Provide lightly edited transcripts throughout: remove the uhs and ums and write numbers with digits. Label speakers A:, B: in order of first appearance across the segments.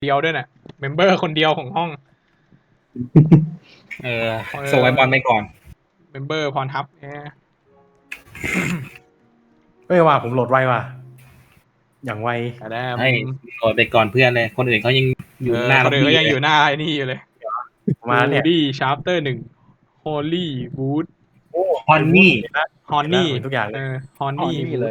A: เดียวด้วยน่ะเมมเบอร์คนเดียวของห้อง
B: ส่งไอ้บอลไปก่อน
A: เมมเบอร์พรทับ
C: ว่าผมโหลดไวว่ะอย่างไว
B: ให้โหลดไปก่อนเพื่อนเลยคนอื่นเขายังอยู่หน้า
A: คนอื่นก็ยังอยู่หน้าไอ้นี่อยู่เลย
C: มาเนี่ย
A: ดี้ชาร์ปเตอร์1 Holy Wood
B: ฮอนนี่
C: ทุกอย่างเลย
A: ฮอนนี่
D: เลย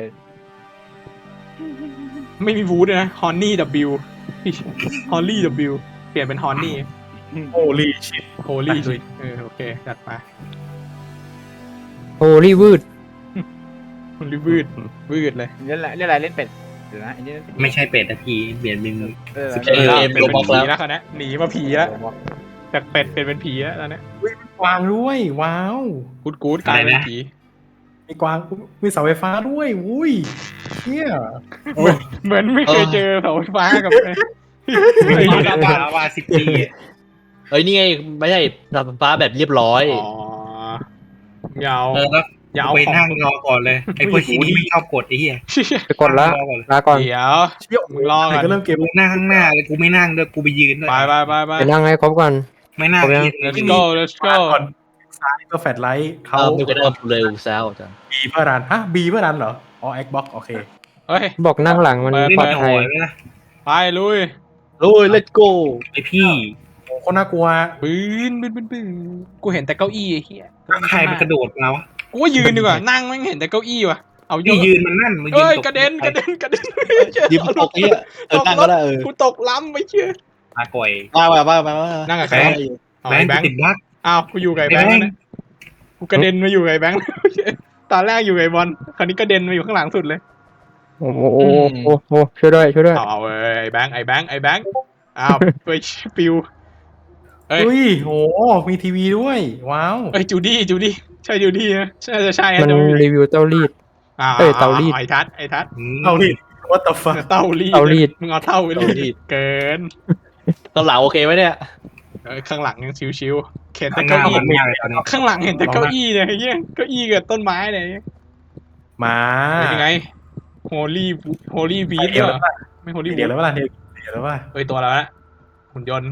A: ไม่มีวูดนะฮอนนี่ W ฮอนนี่ W เปลี่ยนเป็นฮอนนี่
C: Holy shit
A: Holy โอเคจัดไป
E: โฮลี่วืด
A: มันวืดเลย
D: เล่นอะไรเล่นเป็ดเดี๋ยวนะอันนี้
B: ไม่ใช่เป็ดนะพี่เปลี่ยนเป็น
A: เป็นผีแล้วเขาเนี่ยหนีมาผีแล้วจากเป็ดเป็นผีแล้วตอนนี้
C: กวางด้วยว้าว
A: กู๊ดกลายเป็นผี
C: มีกวางมีเสาไฟฟ้าด้วยอุ้ยเชี่ย
A: เหมือนไม่เคยเจอเสาไฟฟ้ากับ
B: ว่า10 ปี
F: เอ้ยนี่ไงไม่ใช่เสาไฟฟ้าแบบเรียบร้อย
A: อ๋อยาว
B: อย่าเอาไปนั่งรอก่อนเลยไอ้พวกที่ไม่ชอบกดไอ้เหี้ย
E: ไปกดละลาก่อน
A: เดี๋ยว
C: เชี่ย
A: มึงรอก่อน
C: ก็เริ่มเกม
B: กูนั่งข้างหน้าเลยกูไม่นั่งด้วยกูไปยืนด้วย
A: ไป
E: ไปนั่งให้ครบก่อน
B: ไม่นั่ง
A: let's go
C: ก่อนซ้ายก็แฟลชไลท์เขา
F: ดูกันว่าเร็วแซวจัง
C: บีเพื่อรันฮะบีเพื่อรันเหรออ๋อ Xbox โอเค
A: เฮ้ย
E: บอกนั่งหลังมัน
B: ไม่
E: ปลอด
B: ได้ห
E: ภั
B: อย ยเลยนะ
A: ไปลุย
F: ลุย let's go
B: ไอพี่
C: โอ้คนน่ากลัว
A: ปืนกูเห็นแต่เก้าอี้ไอ้เหี้ย
B: ใครมันกระโดดมาวะ
A: กูว่ายืนดีกว่านั่งไม่เห็นแต่เก้าอี้ว่ะเอา
B: นี่ยืนมันนั่นมันยื
A: เอ้ย
B: น
A: กระเด็น
F: ยิบตกเนี่ยนั่งก็ได้
A: กูตกล้ำไปเชื่อ
B: มาก่อย
F: มา
A: นั่งกับใคร
B: แบงค์ติดบั๊ก
A: อ้าวกูอยู่กับไอ้แบงค์นะกูกระเด็นมาอยู่กับไอ้แบงค์ตอนแรกอยู่กับไอ้บอลคราวนี้กระเด็นมาอยู่ข้างหลังสุดเลย
E: โอ้โหช่วยด้วย
A: เอาไอ้แบงค์อ้าวไปปิวเอ้ย
C: อุ้ยโหมีทีวีด้วยว้าว
A: เอ้ยจูดี้ใช่จูดี้นะใช่
E: มันรีวิวเต้ารีด เตารีด
A: ไอ้ทัด
C: เอาดิ what the fuck
A: เต้ารีด
E: เตารีด
A: มึงเอาเต้าไปรีดเกิน
F: ตอนหลังโอเคไหมเนี่ย
A: ข้างหลังยังชิวๆเข็นแต่
B: ข้างหน้า
A: เก้าอี้
B: มันไม่อะไรตอนนี้
A: ข้างหลังเห็นแต่เก้าอี้เนี่ยไอ้เหี้ยเก้าอี้กับต้นไม้เนี่ย
C: มา
A: เป็นยังไงโฮลี่วีด
C: เดี๋ยว
A: เหร
C: แล้
A: อ
C: วป่ะ
A: ไม่โฮลี่
C: เดี๋
A: วี
C: ยว
A: ด
C: แล้วป่ะเดี๋ยวแล้วป่ะ
A: เอ้ยตัวแล้วนะหุ่นยนต์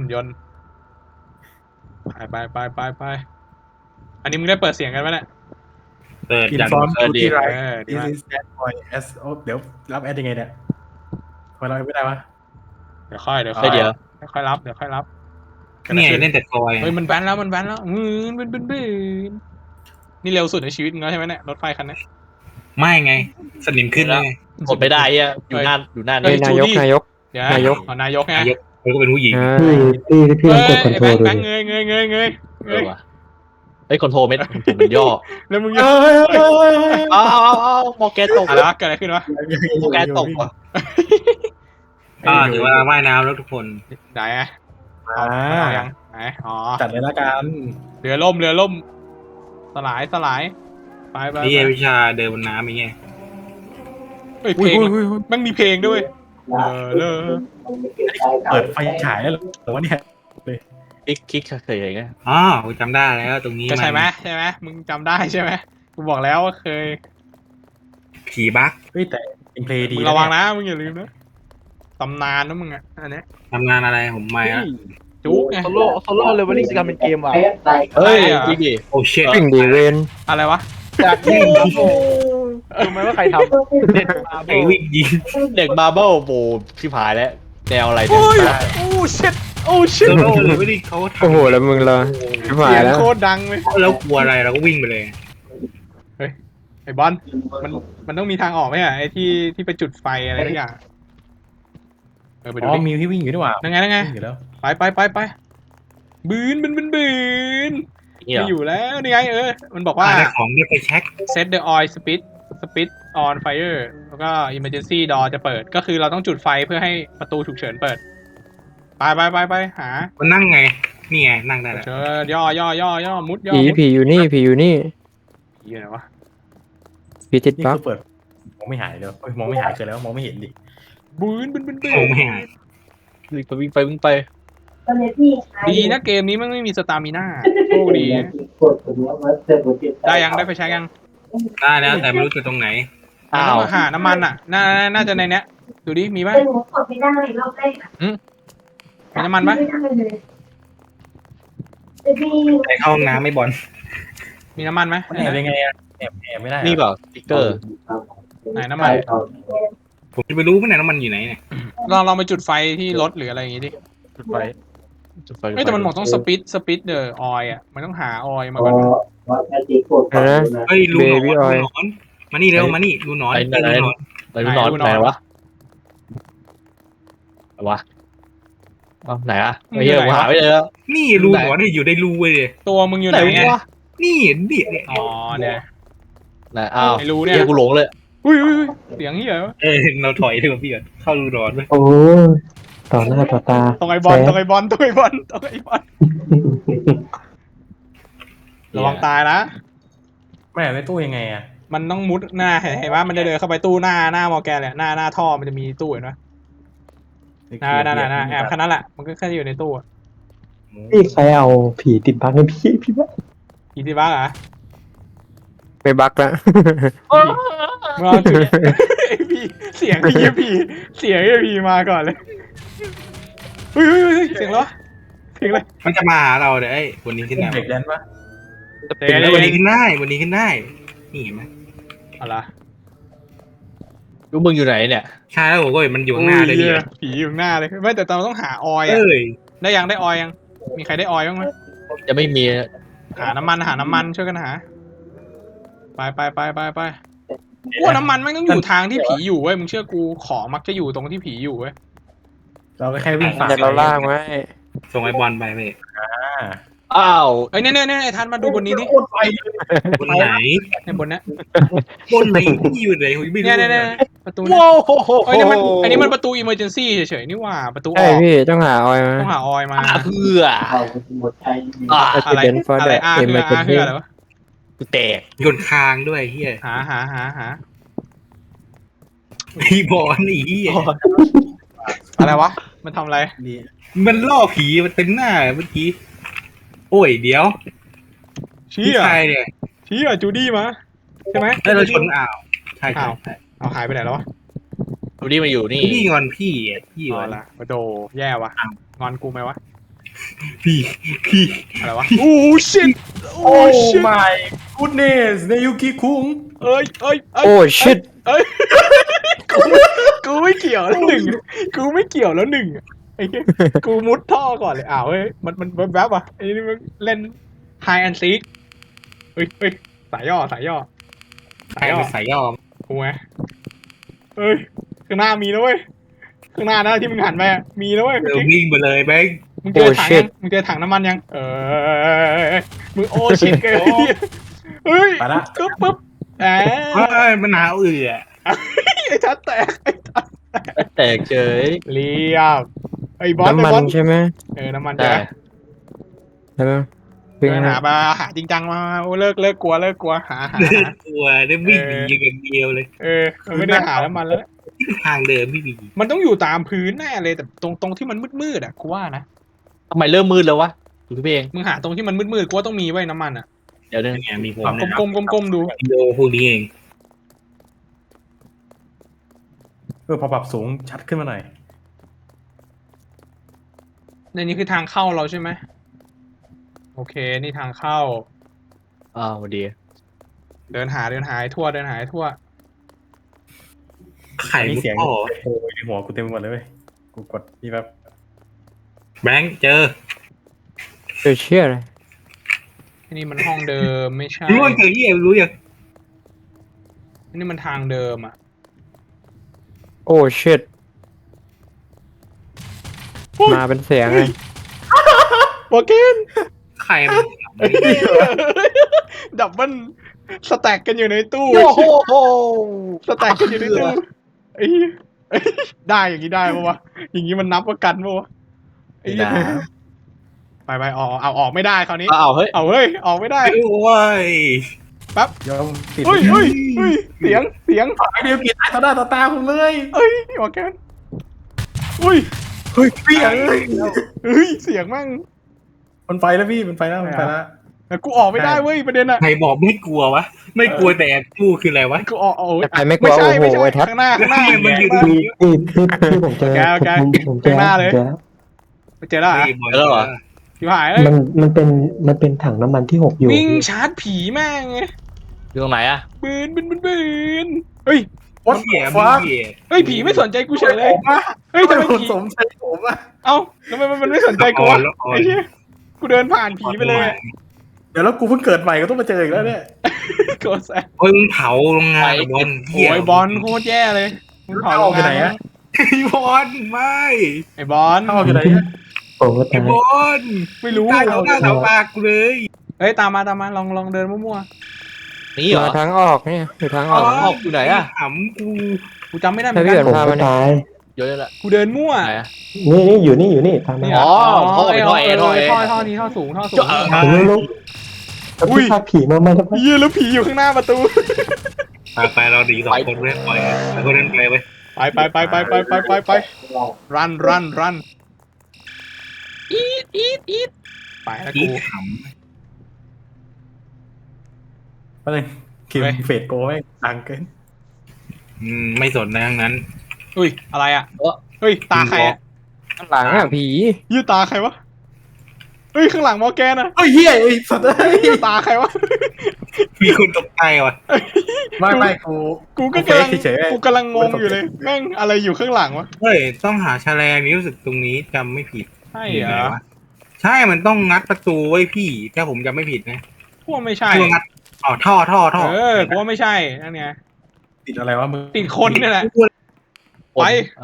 A: ไปอันนี้มึงได้เปิดเสียงกันไหมเนี่ย
B: เปิด
C: อิน
B: อย่าง
C: ฟอร์มดูที่ไร
A: ดี
C: this
A: มาก
C: is that boy s เดี๋ยวรับแอดยังไงเนี่ยทำไมเราไม่ได้วะ
A: เดี๋ยวค่อย
F: เดี๋ยว
A: ค่อยรับ
B: เนี่ยเล่นแต่คอย
A: เฮ้ยมันแบนแล้วบึ้นนี่เร็วสุดในชีวิตมึงแล้วใช่ไหมเนี่ยรถไฟคันนี้
B: ไม่ไงสนิมขึ้นเลย
F: กดไม่ได้อ่ะอยู่หน้า
E: เฮ้ย
F: นี่
E: นายก
A: เดี๋ยวนายกไง
B: ยกเขาก็เป็นผู้หญิง
E: ที่พี่กดคอนโทรล
A: แบ
E: ดู
A: งค์เงย
F: เฮ้ยคอนโทรเม็ดมันย่อ
A: แล้วมึง
C: เอ้ย
F: เอามอแกตก
A: อะไรวะเกิดอะไรขึ้นวะ
F: มอแกตกว่ะ
B: ถือว่าว่ายน้ำแล้วทุกคน
A: ไหนอะ
C: อ่า
A: เอายังไหนอ๋อ
C: จัดเลยละกัน
A: เรือล่มสลายไป
B: นี่วิชาเดินบนน้ำอย่างเงี้ย
A: เฮ้ยเพลงมันมีเพลงด้วยเลย
C: เปิดไฟฉายแล้วเหรอวะเนี่ย
F: คลิกเคยเห็นไง
B: อ๋อกูจำได้แล้วตรงนี้
A: ก็ใช่ไหมมึงจำได้ใช่ไหมกูบอกแล้วว่าเคย
B: ผีบั๊ก
C: เฮ้ยแต่อินเพลย์ดี
A: มึงระวังนะมึงอย่าลืมนะตำนานนะมึงอ่ะอันนี้
B: ทำงานอะไรผมไม่อะ
A: จุ๊กไง
D: โซโล่เลเวลลิ่งจะทำเป็นเกมว่ะ
A: เฮ้ย
F: จริงดิ
B: โอ้เชิต
E: วิ่งดีเวน
A: อะไรวะ
D: จากเกมรู้ไหมว่าใครทำเด็ดมา
B: ไอ้วิ่งยิง
F: เด็กบาร์เบิลโบที่ผายแล้วแนวอะไร
A: โอ้
F: เนี่ย
A: ยโอ้ชิต
B: โซโล่เลยไม่ได้เขาทำ
E: โอ้โหแล้วมึงละชิบหา
A: เสี
E: ย
A: ยง
E: แล้ว
A: โคตรดังเลย
B: แล้วกลัวอะไรเราก็วิ่งไปเลย
A: ไอ้บอลมันต้องมีทางออกไหมอ่ะไอ้ที่ไปจุดไฟอะไรทุกอย่างไปดู
C: อ๋อ
A: ดิ
C: มีที่วิ่งอยู่ด้วยว่ะ
A: นั่งไง
C: วิ่งอยู่แล้ว
A: ไปบืนไม่อยู่แล้วนี่ไงมันบอกว่า
B: ได้ของได้ไปเช็ค
A: set the oil speed on fire แล้วก็ emergency door จะเปิดก็คือเราต้องจุดไฟเพื่อให้ประตูฉุกเฉินเปิดไปหา
B: มันนั่งไงนี่ไงนั่งได้แล้ว
A: เชิญย่อมุด
E: ผีอยู่นี่อยู่
A: ไหนวะ
E: ผีติด
C: นี่
E: บั๊ก
C: คือเปิดมองไม่หายเลยมองไม่หายเกินแล้วมองไม่เห็นดิ
A: บืน
B: โอ้ไม่หาย
F: วิ่งไป
A: ดีนะเกมนี้มันไม่มีสตามิน่าโชคดีได้ไฟใช้ยัง
B: ได้แล้วแต่ไม่รู้จะตรงไหน
A: หาน้ำมันอ่ะน่าจะในเนี้ยดูดิมีป่ะ
G: แต่หนูกดไม่ได้รอบแรกอะ
A: มีน้ำมันไหม
B: ไปเข้าห้องน้ำไม่บอล
A: มีน้ำมันไหม
C: มันแอบยังไงอะแอบไม่ได้อะ
F: นี่เปล่าสติ๊กเกอร์
A: ไหนน้ำมัน
B: ผมจะไปรู้ไหมเนี่ยน้ำมันอยู่ไหนเนี่ย
A: ลองไปจุดไฟที่รถหรืออะไรอย่างงี้ดิ
D: จุดไฟ
A: เฮ้ยแต่มันบอกต้องสปิดเดอออยอ่ะมันต้องหาออยมาก่อน
B: เฮ้ยรูหนอน
E: Baby
B: รู
E: oil
B: หนอนมานี่เร็วมานี่รูหนอน
F: ไหน
B: รูหนอน
F: ไหนนอนไหนวะวะไหนอะไม่เหี้ยกูหาไม่เลยแล้ว
B: นี่รูหนอนเนี่ยอยู่ในรูเว้ยเลย
A: ตัวมึงอยู่ไหนไง
F: วะ
B: นี่เนี่ย
A: อ๋อเนี่ย
F: ไหนอ้าว
A: ไม่รู้เนี่ย
F: เหี้ยกูหลงเลย
A: อุ้ยเสียงเหี้ยวะ
B: เราถอยเถอะพี่ก่อนเข้ารูหนอนไป
E: โอ้ต่อหน้าต่อตา
A: ตรงไอ้บอลตรงไอ้บอลระวังตายนะ
C: ไม่แอบในตู้ยังไงอะ
A: มันต้องมุดหน้าเห็นว่ามันจะเดินเข้าไปตู้หน้ามอร์แกนเลยหน้าท่อมันจะมีตู้เห็นไหมน่าแอบแค่นั้นแหละมันก็แค่อยู่ในตู้
E: พี่ใครเอาผีติดบั๊กให้พี่ว่า
A: อีทีบ้าเหรอ
E: ไม่บั๊กแล้ว
A: มึงเอาจุดไอพีเสียงพีมาก่อนเลยเฮ้ยเสียงแล้วเสียงอะไร
B: มันจะมาหาเราเดี๋ยววันนี้ขึ้นได้
C: เด็กแดนปะ
B: วันนี้ขึ้นได้วันนี้ขึ้นได้นี่เห็นไหม
A: อะไร
F: ลูกมึงอยู่ไหนเนี่ย
B: ใช่แล้วผมก็เห็นมันอยู่ข้างหน้าเลยพี่
A: ผีอยู่หน้าเลยไม่แต่เราต้องหาออยอ่ะ
B: เอ้ย
A: ได้ออยยังมีใครได้ออยบ้างไหม
F: จะไม่มี
A: หาน้ำมันช่วยกันหาไปว่าน้ำมันมันต้องอยู่ทางที่ผีอยู่เว้ยมึงเชื่อกูขอมักจะอยู่ตรงที่ผีอยู่เว้ย
C: เราก็แค่วิ่งฝ่า
E: เดี๋ยวเราล่างไว้
B: ส่งไอ้บอลไปเว้ย
F: อ้าว
A: เอ้ยเนี่ยไอ้ทันมาดูบนนี้ดิ
C: โคตรไฟ
B: บนไหน
A: ในบนเนี้ย
B: บนไหนที่อยู่ไหนผมไม่รู้
A: เนี่ยประตูเนี่ย
F: ว้าวโหโห
A: เอ้ยนี่มันอันนี้มันประตูอิมเมอร์เจนซี่เฉยๆนี่หว่าประตูอ
E: ใช่
A: อก
E: พี่ต้องหาออยมา
A: ต้องหาออยมา
F: เพื่ออ่า
A: อะไร
E: Accident for
A: อะไร
E: the
A: คือ
E: emergency
A: อะไรวะ
F: กูแตก
B: โยนคางด้วยเฮีย
A: หา
B: ไอ้บอลไอ้เฮีย
A: อะไรวะมันทำอะไร
C: ดี
B: มันล่อผีมันเต็มหน้าเมื่อกี้โอ้ยเดี๋ยว
A: ชี้
B: พี่
A: อ่ะ
B: ชายเนี่ย
A: ชี้อ่ะจูดี้มาใช่ไหม
B: แล้วเราชนอ่าวใช่
A: เอาหายไปไหนแล้ววะ
F: ดูดิมาอยู่นี่
B: พี่งอนพี่พี่
A: อ๋
B: ง
A: อ
B: อน
A: ละโดแย่วะงอนกูไหมวะ
B: พี่
A: อะไรวะโอ้ชิตโอ้
C: โอ้
A: ชิต
C: my goodness เนยุกิคุง
A: เอ้ย
E: โอ้ชิต
A: กูไม่เกี่ยวแล้วหนึ่งไอ้เหี้ยกูมุดท่อก่อนเลยเฮ้ยมันแวบว่ะไอ้นี่มันเล่นไฮแอนซีเฮ้ยสายย่อ
B: ใส่ยอม
A: กูไงเฮ้ยข้างหน้ามีนะเว้ยข้างหน้านะที่มึงหันไปมีนะเว้ย
B: เดี๋ยววิ่งไปเลยแบงค์
A: มึงเจอถังยังมึงเจอถังน้ำมันยังมึงโอ้ชิตเกินเฮ้ย
C: ไปละ
A: ก็ปุ๊บ
B: มันหนาว
A: ไอ้ชัดแตก
F: แตกเฉย
A: เรียบไอ้บอส
E: น้ำมันใช่ไหม
A: น้ำมัน
F: ได้
E: ใช่ไหม
A: เดินหาจริงจังมาโอ้เลิกกลัวหา
B: ตัวได้วิ่งหนีอย่างเดียวเลย
A: มันไม่ได้หาน้ำมันแล้ว
B: ทางเดิมพี่บี
A: มันต้องอยู่ตามพื้นแน่เลยแต่ตรงที่มันมืดอ่ะกูว่านะ
F: ทำไมเริ่มมืดแล้ววะดูพี่เอง
A: มึงหาตรงที่มันมืดกูว่าต้องมีไว้น้ำมันอ่ะ
F: เดี๋ยวนึง
B: เนี่ยมีผม
A: ก้มดู
B: วิดีโอพวกนี้เอง
C: พอปรับสูงชัดขึ้นมาหน่อย
A: ในนี้คือทางเข้าเราใช่ไหมโอเคนี่ทางเข้า
F: อ้าวดี
A: เดินหาให้ทั่ว
B: ไข่
C: มี
B: ลูก
C: เสียง
B: พ่อ
C: โอ้ยในหัวกูเต็มไปหมดเลยเว้ยกูกดนี่แบบ
B: แบงค์เจอ
E: เชื่อเลย
A: นี่มันห้องเดิมไม่ใช่
B: รู้ว่าเจอที่รู้ยัง
A: นี่มันทางเดิมอ่ะ
E: โอ้ชิตมาเป็นเสียงเลย
A: โอเค
B: ไข่มัน
A: ดับเบิลสแต็กกันอยู่ในตู้
F: โอ้โห
A: สแต็กกันอยู่ในตู้ไอ้เหี้ยได้อย่างนี้ได้ปะวะอย่างนี้มันนับว่ากันปะวะไอ้เหี้ยไปออกไม่ได้คราวนี้
F: อ้าวเฮ้ย
A: เอาเฮ้ยออกไม่ได้
B: โอ้ย
C: ยอมติด
A: เฮ้ยเสียง
C: ไอเดียวกินตายต่อหน้าต่อตาผมเลย
A: เอ้ยโอเคอุ้ย
C: เฮ้ยเสียง
A: เสียงมั่ง
C: มันไฟแล้วพี่มันไฟแล้ว
A: แต่กูออกไม่ได้เว้ยประเด็นอะ
B: ใครบอกไม่กลัววะไม่กลัวแต่กู้คืออะไรวะ
A: กูออกโอ้ย
E: จะไปไม่กลัว
A: ไม่
E: โอ้โห
A: ใช่
E: ไอ้ทัศ
A: ข้างหน้า
B: มันอยู่
E: พี่ผมเจอ
A: โอเค
E: ผมเจอ
A: ข้างหน้าเลย
E: ผมเจอ
A: ไปเจอแล้วเหรอ
B: ฮ้ยบอล
F: แล้วเหรอ
A: ชิบหายเอ้ย
E: มันเป็นถังน้ำมันที่หกอยู่
A: วิ่ง
E: พี่
A: ชาร์จผีแม่งไง
F: อยู่ตรงไหนอะ
A: บืนเฮ้ย
C: วัด
B: เหี้ย
C: ฟ้า
B: เหี้ย
A: เฮ้ยผีไม่สนใจกูเฉยเลย
C: ผมอะ
A: เฮ้ยทำไม
C: ผม
A: ผี
C: สมใช่ผมอะ
A: เอ้าทำไมมันไม่สนใจกูวะ
B: ละคร
A: ไอ้เหี้ยกูเดินผ่านผีไปเลยอะ
C: เดี๋ยวแล้วกูเพิ่งเกิดใหม่ก็ต้องมาเจออีกแล้วเนี่ย
A: โกรธแสบ
B: โอ้ยมึงเผาโรงงานบอล
A: โอ้ยบอลโคตรแย่เลยมึงเผา
C: เข้าไปไหนอะ
B: บอลไม่
A: ไอ้บอล
C: เข้าอยู่ไหนอะ
E: ผมก็
B: ไอ้
E: ตาย
B: บอล
A: ไม่รู้
B: ตายเอาหน้าเสาปากกูเลย
A: เฮ้ยตามมาลองเดินมั่ว
F: นี่เหรอ
D: ทางออกเนี่ยอยู่ทางออก
F: ออกอยู่ไหนอะ
B: ขำกู
A: ๆกูจำไม่ได้เหมือน
D: ให้พี่
A: กัน
D: เอิญ
E: ผมก็ตาย
F: เยอะแล้ว
A: กูเดินมั่ว
F: ไหนอะ
E: นี่อยู่นี่ตามมา
A: นี่
F: อ๋อท่อไปท่อเอท่อเอ
A: ท่อนี้ท่อสูง
E: ผมลุกแล้ว
A: อุ้ย
E: พี่พาผีมาทำไม
A: เหี้ยแล้วผีอยู่ข้างหน้าประตู
B: ไปเราดีสองคนเว้ยปล่อยแล้วก็เดินไปเว้ย
A: ไปรันอีทไปแล้ว
B: อี
A: กู
B: ข
C: แป๊บนึงคิม
A: เฮ้ย
C: เฟดโกไม่ดังเกิน
B: ไม่สนนะทั้งนั้น
A: อุ้ยอะไรอ่ะเฮ้ยตาใครอ่ะ
D: ข้างหลังอ่ะผี
A: ยี่ตาใครวะเฮ้ยข้างหลังมอร์แกนอ่ะ
C: เฮ้ยเฮียไอ้สัตว์เอ้ย
A: ยี่ตาใครวะ
B: มีคนตกใจว่ะ
C: ไม่กู
A: กูก็
C: เฟ
A: กำ
C: ซ
A: ลัง
C: เฉยๆ
A: กูกำลังงงอยู่เลยแม่งอะไรอยู่ข้างหลังวะ
B: เฮ้ยต้องหาแฉลงนี้รู้สึกตรงนี้จำไม่ผิด
A: ใช่เหรอ
B: ใช่มันต้องงัดประตูไว้พี่ถ้าผมจำไม่ผิดนะ
A: พวกไม่ใช่
B: คืองัดอ๋อท่อ
A: กูว่าไม่ใช่นั่นไง
C: ติดอะไรวะมึง
A: ติดคนนี่แหละ ไป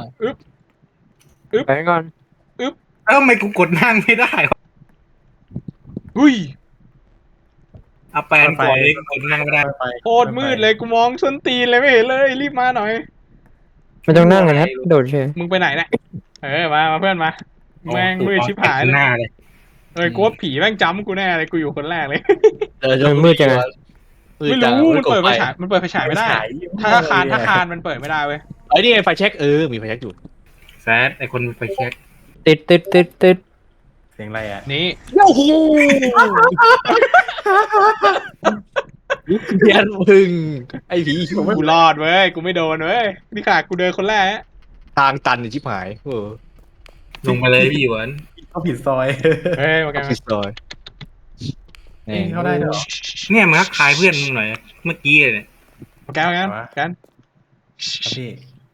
D: ไปก่อน
B: แล้วทำไมกูกดนั่งไม่ได้วะ
A: อุ้ย
B: เอาแปลนก่อนเลยกดนั่งไม่ได้
C: ไป
A: โคตรมืดเลยกูมองส้นตีนเลยไม่เห็นเลยรีบมาหน่อย
D: ไม่ต้องนั่งกันนะโดดเฉย
A: มึงไปไหนเนี่ยมาเพื่อนมาแม่งมืดชิบหายเลย
B: หน้าเลย
A: กูว่าผีแม่งจำกูแน่เลยกูอยู่คนแรกเลย
D: มืดจังเลย
A: ไม่รู้มันเปิดไฟฉายไม่ได้ ถ้าคานมันเปิดไม่ได้เว้ย
F: ไอ้นี่ไงไฟเช็คมีไฟเช็คอยู่
B: แซดไอคนไปเช็ค
D: ติด
C: เสียงอะไรอ่ะ
A: นี่
F: โอ้โหเพี้ยนพึ่งไอ้ผี
A: กูรอดเว้ยกูไม่โดนเว้ยนี่ขนาดกูเดินคนแรก
F: ทางตันชิบหาย
B: ลงไปเลยพี่หยวน
C: เขาผิดซอย
A: เฮ้ยมา
F: อ
A: กั
F: อน ฟฟิศเลย
C: เข้าได้เหรอ
B: เนี่ยมันทักทายเพื่อนมึงหน่อยเมื่อกี้เลยเนี่ย
A: มากัน
C: ครับพี่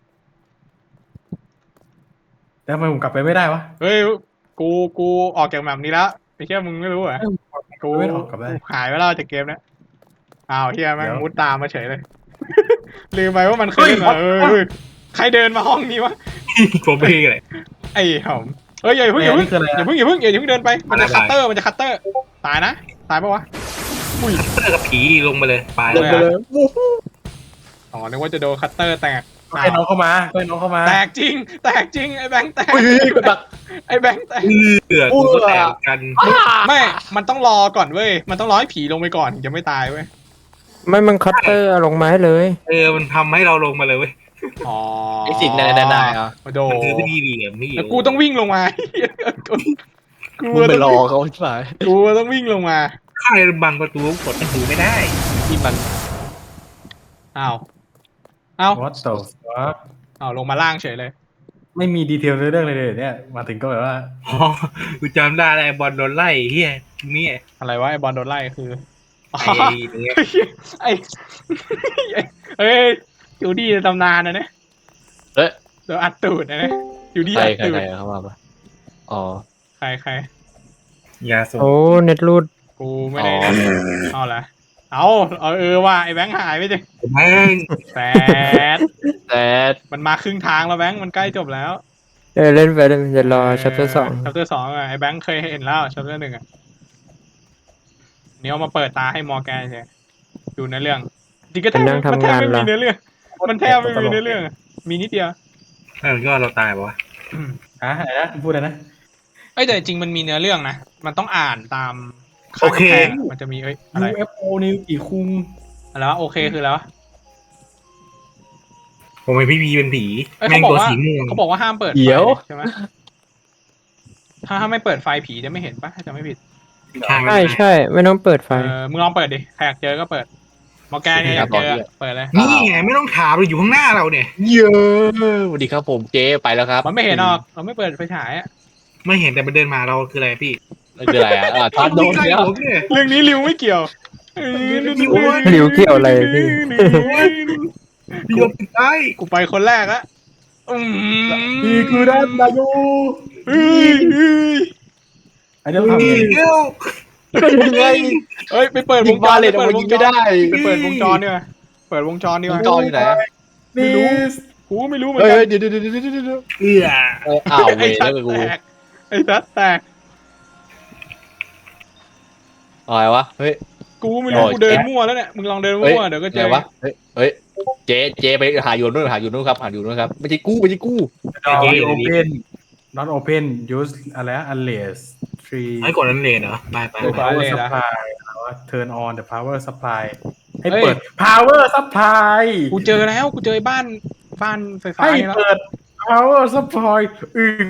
C: แล้วทำไมผมกลับไปไม่ได้วะ
A: เฮ้ยกูออกจากแบบนี้แล้วไอ้เชี่ยมึงไม่รู้เหรอกู
C: ไม่ออกกลับได้
A: หายไปแล้วจากเกมนี้อ้าวเฮียแม่งมุดตามมาเฉยเลย ลืมไปว่ามันเคยเล่นมาใครเดินมาห้องนี้วะ
B: ผมไม่เลย
A: ไอ้หอมเฮ้ยอย่าเพิ่ง
C: นี่คืออะไร
A: อย่าเพิ่งเดินไปมันจะคัตเตอร์ตายนะตายปะวะอุ้ย
B: เตอร์กับผีลงไปเลยไป
A: ลงไปเลย อ๋อนึกว่าจะโดนคัตเตอร์แตก
C: ให้น้องเข้ามา
A: แตกจริงไอ้แบงค์แตกไอ้แบงค์แตก
B: กูก็แตกกัน
A: ไม่มันต้องรอก่อนเว้ยมันต้องรอให้ผีลงไปก่อนถึงจะไม่ตายเว้ย
D: ไม่มันคัตเตอร์ลงไม้เลย
B: มันทำให้เราลงมาเลยเว้ย
A: อ๋อ
F: ไอ้สิ่งได้อ่ะ
A: มาโด
B: มันคือวิธีเหลี่ยมพี่
A: แล้วกูต้องวิ่งลงมากู
F: มึงไปรอเขาชิบหาย
A: กูต้องวิ่งลงมา
B: ใครบังประตูกดประตูไม่ได้
F: ที่มัน
A: อ้าว
C: What the fuck
A: อ้าวลงมาล่างเฉยเลย
C: ไม่มีดีเทลเรื่องเลยเนี่ยมาถึงก็แบบว่า
B: อ๋อกูจำได้แล้วไอ้บอลโดนไล่เฮียนี่
A: อะไรวะไอ้บอลโดนไล่คือ
B: ไอ้เนี่ย
A: ไอ้เฮ้ยอยู่ดีในตำนานนะเนี่ยเดี๋ยวอัดตูดนะเนี่ยอยู่ดี
F: ใคร
A: อัดตูด
F: เข้ามาปะอ๋อ
A: ใคร
B: ยาสูบ
D: โอ้เน็ตรูด
A: กูไม่ได้เอาละว่าไอ้แบงค์หายไปจิ
B: แม่ง
A: แซด
F: แต่
A: มันมาครึ่งทางแล้วแบงค์มันใกล้จบแล้ว
D: เล่นไปเลยจะรอชัปเตอร์สอง
A: ชัปเตอร์สองอะไอ้แบงค์เคยเห็นแล้วชัปเตอร์หนึ่งอะนี่เอามาเปิดตาให้มอร์แกนใช่ดูในเรื่องจริงก็แทบไม่มีเนื้อเรื่องมันแทบไม่มีเนื้อเรื่องมีนิดเดียว
B: ก็เราตายปะวะ
C: อะไรนะพูดอะไรนะ
A: แต่จริงมันมีเนื้อเรื่องนะมันต้องอ่านตามข้างกำแพงมันจะมีอะไร
C: UFO นิวกี่คุง
A: อะไรวะโอเคคือแล้ว
B: ผมเป็นพี่บีเป็นผี
A: เขา
B: แม่ง
A: บอก
B: ตัว
A: ว่า
B: สีม่วง
A: เขาบอกว่าห้ามเปิดไฟใช่ไหมถ้าไม่เปิดไฟผีจะไม่เห็นปะถ้าจะไม่ผิด
D: ใช่ไม่ต้องเปิดไฟ
A: มึงลองเปิดดิใครอยากเจอก็เปิดมอร์แกนเนี่ยอยากเจอเปิดเลย
B: นี่ไงไม่ต้องถามเราอยู่ข้างหน้าเราเนี่ย
F: เยอะสวัสดีครับผมเจ๊ไปแล้วครับ
A: มันไม่เห็นหรอกเราไม่เปิดไฟฉายอะ
B: ไม่เห็นแต่มันเดินมาเราคืออะไรพี่
F: นั่นคืออะไรอ่ะทอนโดน
B: ใกล้
F: แล้ว
B: ผมเนี่ย
A: เรื่องนี้ริวไม่เกี่ยว
E: หลิวเกี่ยวอะไรพี่
B: พี่ยกติดได้
A: กูไปคนแรกละ
C: พี่คือด้านนายโย
A: เฮ้ย
C: อันนี้ต้องทำไง
B: เดียว
F: ยังไง
A: เฮ้ยไปเปิดว
F: ยิ
A: ง
F: ง
A: จ
F: บาร เลตออก
A: เปิ
F: มา
A: ดว
F: ยิ
A: ง
F: ง
A: จ
F: ไม่
A: ร
F: ได้
A: ไปเปิดวงจรดีกว่าเปิดวงจรดีก
F: ว
A: ว่าง
F: จรอยู่ไหน
A: ไม่รู้ กูไม่รู้เหมือน
F: เฮ้ย
A: กัน
F: เดี๋ยว
B: เอื้อ
F: อ้าวเว
A: ไอ้
F: ย
A: ชั
F: แล้
A: ด
F: วกู
A: แตกไอ้ชัดแตก
F: อะไรวะเฮ้ย
A: กูไม่รู้กูเดินมั่วแล้วเนี่ยมึงลองเดินมั่วเดี๋ยวก็เจ
F: อะไร
A: อ
F: วะเฮ้ยเจไปหาอยู่นู่นครับหาอยู่นู่นครับไม่ใช่กู้
C: ดอโอเพน not open use อะไร unless tree
B: ไอ้กดนั้นเลนเหรอไป
C: power supply turn on the power supply ให้เปิด power supply
A: กูเจอแล้วกูเจอบ้านไฟฟ้า
C: ให้
A: นี่แล้ว
C: เปิด power supply อีก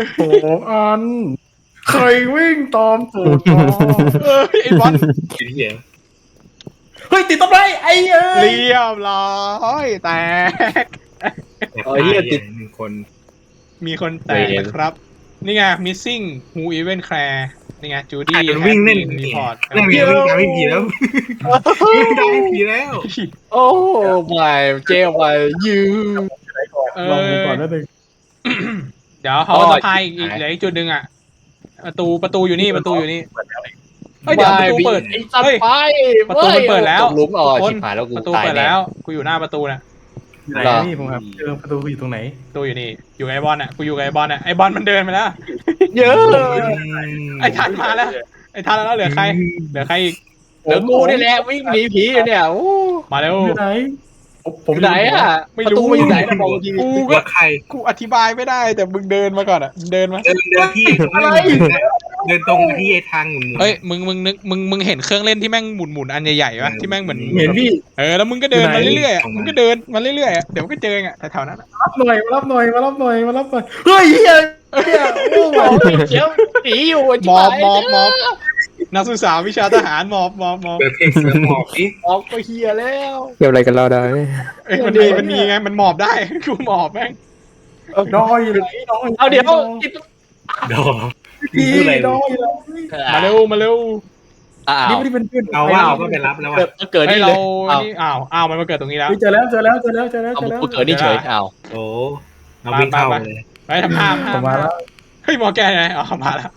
C: 2 อัน ใครวิ่งตามตูดมา
A: ไอ้บอล
B: คิดเหี้ย
C: เฮ้ยติดต้นไม้ไอ้เอ้ย
A: เรียบร้อยแตก
B: หนึ่งคน
A: มีคนแตกนะครับ นี่ไง missing who even care นี่ไงจู
B: ใคร
A: ดี้
B: มันวิ่งเล่น
A: รีพอร์ต
B: เล่นวิ่งตามพี่ผีแล้ววิ่งตามพี่ผีแล้ว
F: โอ้ไม่เจไปยื
C: ลองดูก่อนนิดนึง
A: เดี๋ยวเขาจะพายอีกเหลืออีกจุดหนึ่งอ่ะ ประตูอยู่นี่ประตูอยู่นี่เฮ้ยเดี๋ยวประตูเปิด
F: ไอ้สัต
A: เฮ้ย
F: ว์ไป
A: ประตูมันเปิดแล้ว
F: ลุกอ๋อ
A: คน
F: ชิบหายแล้วกู
A: ประตู
F: ตาย
A: เปิด
F: แน่
A: แล้วกูอยู่หน้าประตูน่ะ
C: อยู่ไหนนี่ผมครับเจอประตูอยู่ตรงไหน
A: ประตูอยู่นี่อยู่กับไอ้บอลอ่ะกูอยู่กับไอ้บอลอ่ะไอ้บอลมันเดินไปแล้ว
F: เยอะ
A: ไอ้ทันมาแล้วไอ้ทันแล้วเหลือใครเหลือใครอีก
F: เดี๋ยวกูนี่แหละวิ่งหนีผีอยู่เนี่ยโอ้
A: มาเร็ว
C: อยู่ไหน
F: ผมไหนอ่ะ
A: ไม่
F: ประ
A: รู้
F: ตูมันอยู่ไหนนะบอกที
A: กู
B: กู
A: ก็
B: ว่าใคร
A: กูอธิบายไม่ได้แต่มึงเดินมาก่อนอ่ะเดินมา
B: เดินที่เดินตรงที่ไอ้ทางหมุน
A: เฮ้ยมึงเห็นเครื่องเล่นที่แม่งหมุนอันใหญ่ๆปะที่แม่งเหมือน
C: เห็นพี่
A: แล้วมึงก็เดินมาเรื่อยๆอ่ะมึงก็เดินมาเรื่อยๆอ่ะเดี๋ยวมันก็เจออ่ะแถวๆนั้นอะ
C: รับหน่อยมารับหน่อยมารับหน่อยมารับหน่อยเฮ้ยเฮียเฮียโอ้โห
F: เดี๋ยวหนีอยู่
A: มอบนักศึกษาวิชาทหารมอบ
B: เปิดเพลงเสือหมอบดิ
F: ออกไปเฮียแล้ว
E: เกี่ยวอะไรกันเราได้
A: เอ้ยมันมีไงมันหมอบได้ กูหมอบแม่ง
C: ดอยอยู่ไหนดอย
F: เอาเดี๋ยว
B: ดอ
C: พี่
B: พูดอะไร
C: ดอยอยู่ไหน
A: มาเร็ว
F: อ้า
C: นี่
F: ว
C: ไม่ได้เป็นเพื่อน
B: เอาว่าเราก็ไปรับแล้ว
F: เกิด
A: ให้
F: นี่
A: เรา
F: เลยอ้าว
A: นี่อ้าวมันมาเกิดตรงนี้แล้ว
C: เจอแล้ว
F: เอากูเกิดนี่เฉยอ้าว
B: โอ้เราวิ่งเข้าเลย
A: ไปทำท่า
C: ผมมาแล้ว
A: เฮ้ยมอแกไงอ๋อมาแล้ว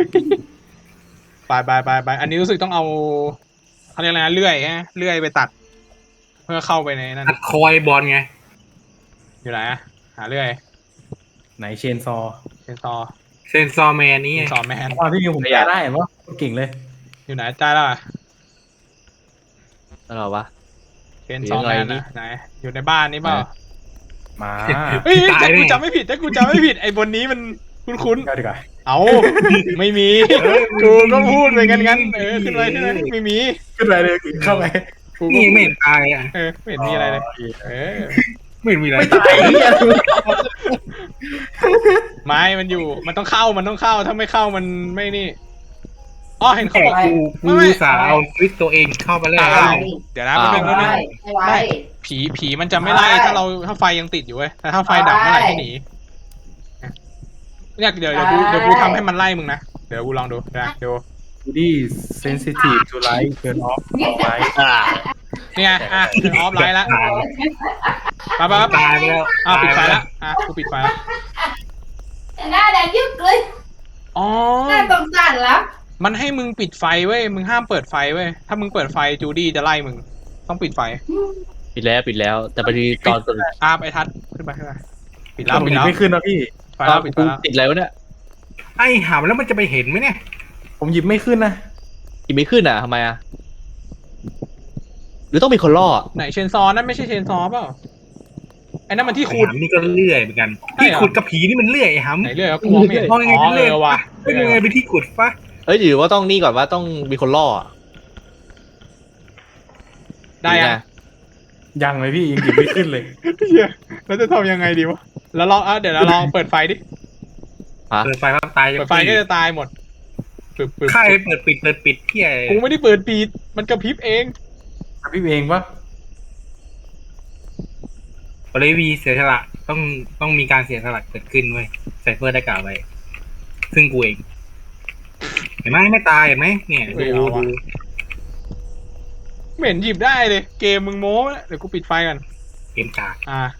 A: ไปอันนี้รู้สึกต้องเอาเขาเรียกอะไรนะเลื่อยไปตัด เพื่อเข้าไปในนั้น
B: ตัดคอยบอลไง
A: อยู่ไหนอะหาเลื่อย
C: ไหนเชนซอ
A: เชนซอ
B: เซนซอร์แมนนี่
A: สอนแมน
C: ความที่ผมแก้ได้เห็นปะเก่งเลย
A: อยู่ไหนจ้าแล้วอะ
F: อะไรวะ
A: เชนซอแมนอะไหนอยู่ในบ้านนี่เปล่า
C: มา
A: เฮ้ยแต่กูจำไม่ผิดไอ้บนนี้มันคุ้น
C: เข้าดีกว่า
A: ๆเอาไม่มีกูก็พูดไปงั้นขึ้นไปไม่มี
C: ขึ้นไปเลยเข้าไป
A: กูก็
B: นี่ไม่เห็นตายอ่ะ
A: ไม่เห็นมีอะไรเลย
B: ไม่เห็นมีอะไร
C: ไม่ตายเฮีย
A: ไม้มันอยู่มันต้องเข้าถ้าไม่เข้ามันไม่นี่อ๋อเห็นเขา
B: แต่
A: บอก
B: กูสาวเอาฟิตตัวเองเข้าไปแล้ว
A: เดี๋ยวนะมันเป็นเรื่องไม่ผีมันจะไม่ไล่ถ้าไฟยังติดอยู่เว้ยแต่ถ้าไฟดับเมื่อไหร่ให้หนีเนี่ยเดี๋ยวกูทำให้มันไล่มึงนะเดี๋ยวกูลองดูนะเดี๋ยว
C: ดี sensitive to light turn off light
A: นี่ไงถึงออฟไลน์แล้วไป
B: ตายไปแล้ว
A: ปิดไฟแล้วกูปิดไฟแล้ว
G: หน้าแดงยึกเลย
A: อ๋อ
G: หน้าตรงสั่นแล้ว
A: มันให้มึงปิดไฟเว้ยมึงห้ามเปิดไฟเว้ยถ้ามึงเปิดไฟจูดี้จะไล่มึงต้องปิดไฟ
F: ปิดแล้วแต่พอดีตอน
A: ไปทัดขึ้นไปปิดแล้ว
C: ผมไม่ขึ้นนะพี่
A: ไฟแล้วปิดไฟ
F: กู
A: แล้ว
F: ติดอะไรวะเนี่ย
B: ไอ้หามแล้วมันจะไปเห็นไหมเนี่ย
C: ผมหยิบไม่ขึ้นนะ
F: กินไม่ขึ้นอ่ะทำไมอ่ะหรือต้องมีคนล่อ
A: ไหนเชนซอนั่นไม่ใช่เชนซอเปล่าไอ้นั่นมันที่ขุด
B: หามนี่ก็เลื่อยเหมือนกันที่ขุดกับผีนี่มันเลื่อยหาม
A: ไหนเรื่อยกูมองไม่เห็น
B: มองยังไงเป็นเลื่อย
A: ว่ะ
B: เป็นยังไงเป็นที่ขุดปะ
F: เอ้ยหรือว่าต้องนี่ก่อนว่าต้องมีคนล่อ
A: ได้ยัง
C: ยังเลยพี่ยังหยิบไม่ขึ้นเลย
A: แล้วจะทำยังไงดีวะแล้วลองเดี๋ยวเราลองเปิดไฟดิ
B: เปิดไฟปั๊บตาย
A: เปิดไฟก็จะตายหมดปึ๊บ
B: ค่ายเปิดปิดที่ไอ้
A: กูไม่ได้เปิดปีดมันกระพริบเอง
C: พี่เองปะ
B: บริวีเสียสละต้องมีการเสียสละเกิดขึ้นเว้ยไซเฟอร์ได้กล่าวไว้ซึ่งกูเองเห็นไหมไม่ตายเห็นไหมเนี่ย
A: เฮ้
B: ดู
A: ยเอาวะ
B: ดู
A: ไม่เห็นหยิบได้เลย เกมมึงโม้นะเดี๋ยวกูปิดไฟกัน
B: เกมกาก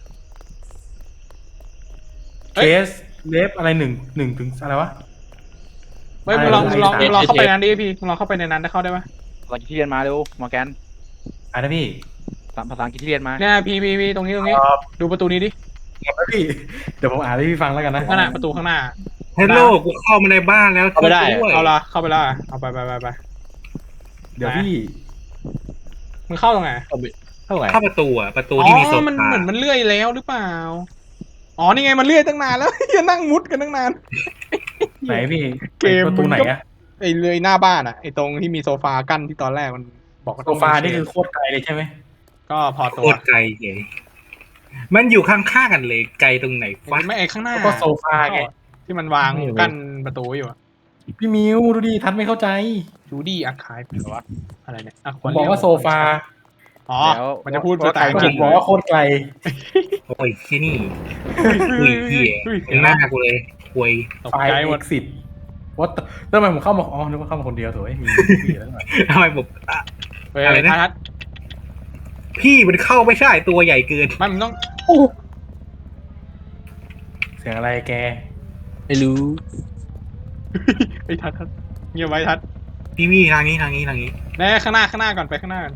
B: เฮ้
C: เค
B: ย
C: สเลฟอะไรหนึ่งถึงอะไรวะ
A: เฮ้ยมึงลองเข้าไปในนั้นดิพี่มึงลองเข้าไปในนั้นได้เข้าได้ไหม
D: ภาษาอังกฤษที่เรียนมาเร็วมอร์แกน
C: อะไรนะพี่
D: ภาษาอังกฤษที่เรียนมา
A: เนี่ยพี่ตรงนี้ดูประตูนี้ดิ
C: ครับพี่เดี๋ยวผมอ่านให้พี่ฟังแล้วกันนะ
A: นั่นน่ะประตูข้างหน้า
B: เฮลโลกูเข้ามาในบ้านแล้ว
F: เข้าไม่ได้
B: ช่วย
A: เอาละเข้าไปและเอาไป
C: เดี๋ยวพี่
A: มึงเข้าตรงไหน
F: เท่าไหร่
B: เข้าประตูอ่ะประตู
A: อ๋
B: ที่มีโซ
A: อมัน
B: ฟา
A: เหมือนมันเลื่อยแล้วหรือเปล่าอ๋อนี่ไงมันเลื่อยตั้งนานแล้ว ยังนั่งมุดกันตั้งนาน
C: ไหนพี่
A: เกม
C: ประตูไหนอะ
A: ไอ้เลื่อยหน้าบ้านอ่ะไอ้ตรงที่มีโซฟากั้นที่ตอนแรกมันบอกว่า
C: โซฟานี่คือโคตรไกลเลยใช่ไหม
A: ก็พอ
B: โค
A: ตัว
B: ตรไกลเลยมันอยู่ข้างๆกันเลยไกลตรงไหนวะ
A: ไม่ไอ้ข้างหน้า
C: แล้วก็โซฟาไง
A: ที่มันวางกั้นประตูอยู่อะ
C: พี่มิวดูดิทันไม่เข้าใจ
A: จูดี้อาคายหรือว่าอะไรเนี่ย
C: ผมบอกว่าโซฟา
A: อ๋อมันจะพูดภาษาอัง
C: ผ
A: กฤษ
C: มบอกว่าโคตรไกล
B: โอ้ยที่นี่คุยเหี้ยเป็นหน้ากูเลยคุย
A: ตก
C: ไฟ
A: ใจหม
C: เอ็
A: ด
C: กซิสว่าทำไมผมเข้ามาอ๋อนึกว่าเข้ามาคนเดียวโถ่มีพี่แล้วหน่อย
B: ทำไมผมอ่ะ
A: เฮ้ย
B: อะไรนะ
A: ทัด
B: พี่มันเข้าไม่ใช่ตัวใหญ่เกิน
A: มันต้อง
C: เสียงอะไรแก
F: ไม่รู้
A: ไอ้ทัดเงียบไว้ทัด
B: พี่มี่ทางนี้
A: แน่ข้างหน้าก่อนไปข้างหน้าก่อน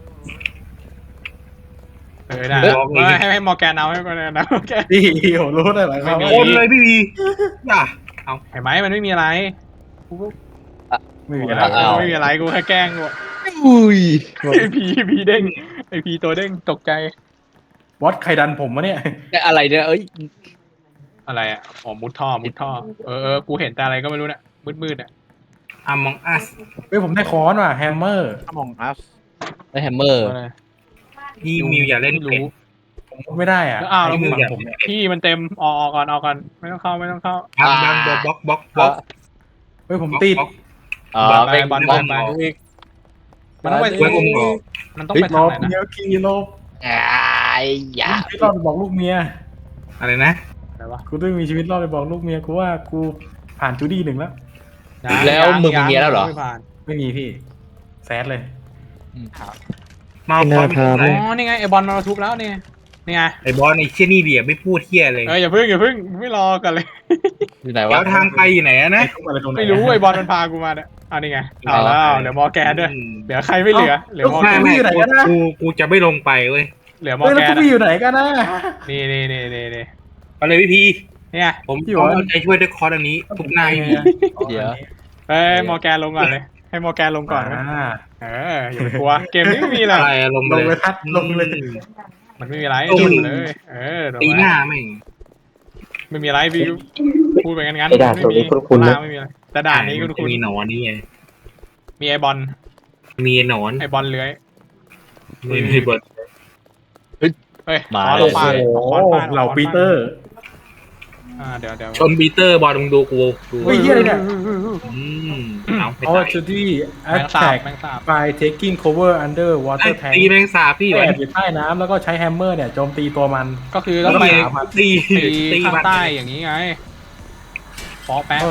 A: ได้ให้มอร์แกนเอาให้มอร์แกนเอามอร์แกน
C: พี่ผมรู้ได้หลายค
A: ไม่มี
C: ำ
B: โอนเลยพี่วีอย่า
A: เห็นไหมมันไม่มีอะไร
C: ไม่มี
A: ไม่
C: อะไร
A: มีอะไรกูแค่แกล้งกู
F: อุ้ย
A: ไอพีเด้งไอพีตัวเด้งตกใจ
C: วัดใครดันผมวะเนี่ย
F: อะไรเนี่ยเอ้ย
A: อะไรอ่ะอ๋อมุดท่อกูเห็นแต่อะไรก็ไม่รู้เนี่ยมืดอ่ะ
B: Among Us
C: เฮ้ยผมได้ค้อนว่ะแฮมเมอร์
D: ถ้ามองอัส
F: ได้แฮมเมอร์
A: อะไร
B: พี่มิวอย่าเล่นเป็น
C: ผมพูดไม่ได้อ่ะ
A: แล้วอ้าวแล้ว
C: ไอ้
A: มึง
C: ฝั่งผมเนี่ย
A: พี่มันเต็มออกก่อนไม่ต้องเข้า
B: บังบล็อก
C: เฮ้ยผมติด
F: อ๋อ
A: ไป
F: เป็น
A: บอล
F: บอล
A: ไป
F: อีก
A: มันต้องไป
B: ไว้อมก่อน
A: มันต้องไป
C: ล
A: ทาง
C: บ
A: ไหนนะ
C: เมียกี่ลบ
F: ไอ้ยา
C: ชีวิตรอดไปบอกลูกเมีย
B: อะไรนะ
A: อะไรวะ
C: กูต้องมีชีวิตรอดไปบอกลูกเมียกูว่ากูผ่านจูดี้1แล้ว
F: แล้วมึงมีเมียแล้วเหรอ
A: ไม่ผ่าน
C: ไม่มีพี่แซดเลย
B: มาพร้อม
A: อ๋อนี่ไงไอบอลมาทุบแล้วนี่ไง
B: ไอ้บอลไอ้เชี่ยนี่เดียไม่พูดเที่ยเลย
A: อย่าเพิ่งไม่รอกันเลย
F: อยู่ไหน
B: แล้ว
F: ะ
B: วทางไปอยู่ไหนอะนะ
C: อะไรตรงไหน
A: ไม่รู้ไอบอลมันพากูมาเนี่ยนี่ไงเอาแล้วเดี๋ยวมอร์แกนด้วยเหลือใครไม่เหลือมอร์แกน
B: กูจะไม่ลงไปเว้ย
A: เหลือมอ
C: เฮ้ย
A: ร์
C: แล้ว
A: แก
C: กู
A: น
C: ไปอยู่ไหนกันนะ
A: นี่
B: ไปเลยพี่พี
A: เนี่ย
B: ผมเอาใจช่วยด้วยคอร์สอันนี้ทุกหน้าให้มี
F: เดี๋ยว
A: เฮ้ยมอร์แกนลงก่อนเลยให้มอร์แกนลงก่อนนะอย่ากลัวเกมนี้ไม่มีอะไร
B: อะไรลง
C: ลง
B: เล
C: เลย ยทัดลงเลย
A: มันไม่มีอะไร
B: โอ้ย
A: จุดเลย
B: ตีหน้าแม่ง
A: ไม่มีอะไรพี่พูดไปงั้น
E: ไอ้ด่านตรงนี้คุ้นๆนะ
A: ไม่มีอะไรแต่ด่านนี้คุณ
B: มีหนอนนี่ไง
A: มีไอบอล
B: มีหนอน
A: ไอบอลเลื้อย
B: มีเบิร์ด
A: เฮ้ย
F: มา
A: ลงปา
C: โอ้
A: ขอนปา
C: เหล่าปีเตอร์
A: เดี๋ยว
B: ชนบีเตอร์บอลมึงดูกูดู
C: เฮ้ยเหี้ยอะไรเนี่ย
B: เอาไป
C: เอา
B: ตาย
C: จูดี้
A: แมงสาบ
C: attack
A: แมงสาบ
C: by taking cover under water tank
B: ตีแมงสาบพี่
C: แอ
B: วะ
C: บอยู่ใต้น้ำแล้วก็ใช้แฮมเมอร์เนี่ยโจมตีตัวมัน
A: ก็คือ
B: แล้
A: ต้
B: ว
A: องไป
B: ตี
A: ตีข้างใต้อย่างนี้ไงปอแปะ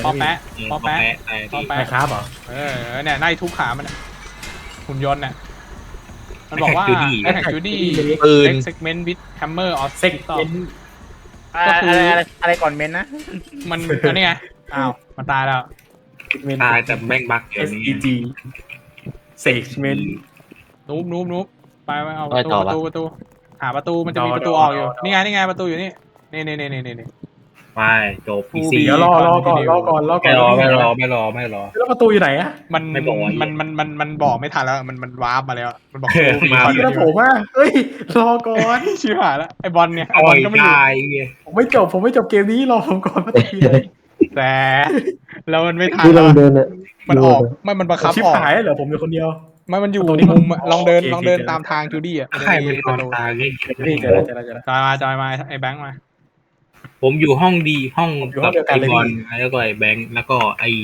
C: ไม่ครับเหรอ
A: เนี่ยไล่ทุบขามันหุ่นยนต์เนี่ยมันบอกว่าไอ้แท็กจูดี้
F: ปืน
A: เซกเมนต์วิดแฮมเมอร์ออฟ
C: เซ็ก
A: ต่อ
C: เป็น
A: ก็คือ
D: อะไรก่อนเมนนะ
A: มันอันนี้ไงอ้าวมันตายแล้ว
B: ตายแต่แม่งบักอย่างนี้
C: SEG เซกเมน
A: นูบไปเอาประตูหาประตูมันจะมีประตูออกอยู่นี่ไงประตูอยู่นี่
B: ไปจบพีซี
C: เดี๋ยวรอก่อน
B: ไม่รอ
C: แล้วประตูอยู่ไหนอะ
A: มันบอกไม่ทันแล้วมันวาร์ปมาแล้วมันบอก
C: แล้วผมอ่ะเฮ้ยรอก่อน
A: ชิบหายแล้วไอบอลเนี่ยไอ
B: อ่
A: บอ
B: อ
A: ล
B: ย
A: ก็ไม่อยู่
B: ตาย
C: ผมไม่จบเกมนี้รอผมก่อนประตูอยู่ไหน
A: แต่แล้วมันไม่ทัน
E: ที่ล
A: แล้
E: อ
A: ว
E: งเดินอ่ะ
A: มันออกมันบังคับ
C: ชิบ
A: ออก
C: หายเหรอผมอยู่คนเดียว
A: มันอยู่
C: ตรงนี้
A: มุมลองเดิน
C: โอเค
A: ลองเดินตามทางจูดี้อ่ะ
B: ใครเป็นคนตายเลย
C: นี่เจอแล้ว
A: จอยมาไอแบงค์มา
B: ผมอยู่ห้องดีห้อง
C: อยู่ห้องเดียวกันเลย
B: บอลแล้วก็ไอ้แบงค์แล้วก็ไอ้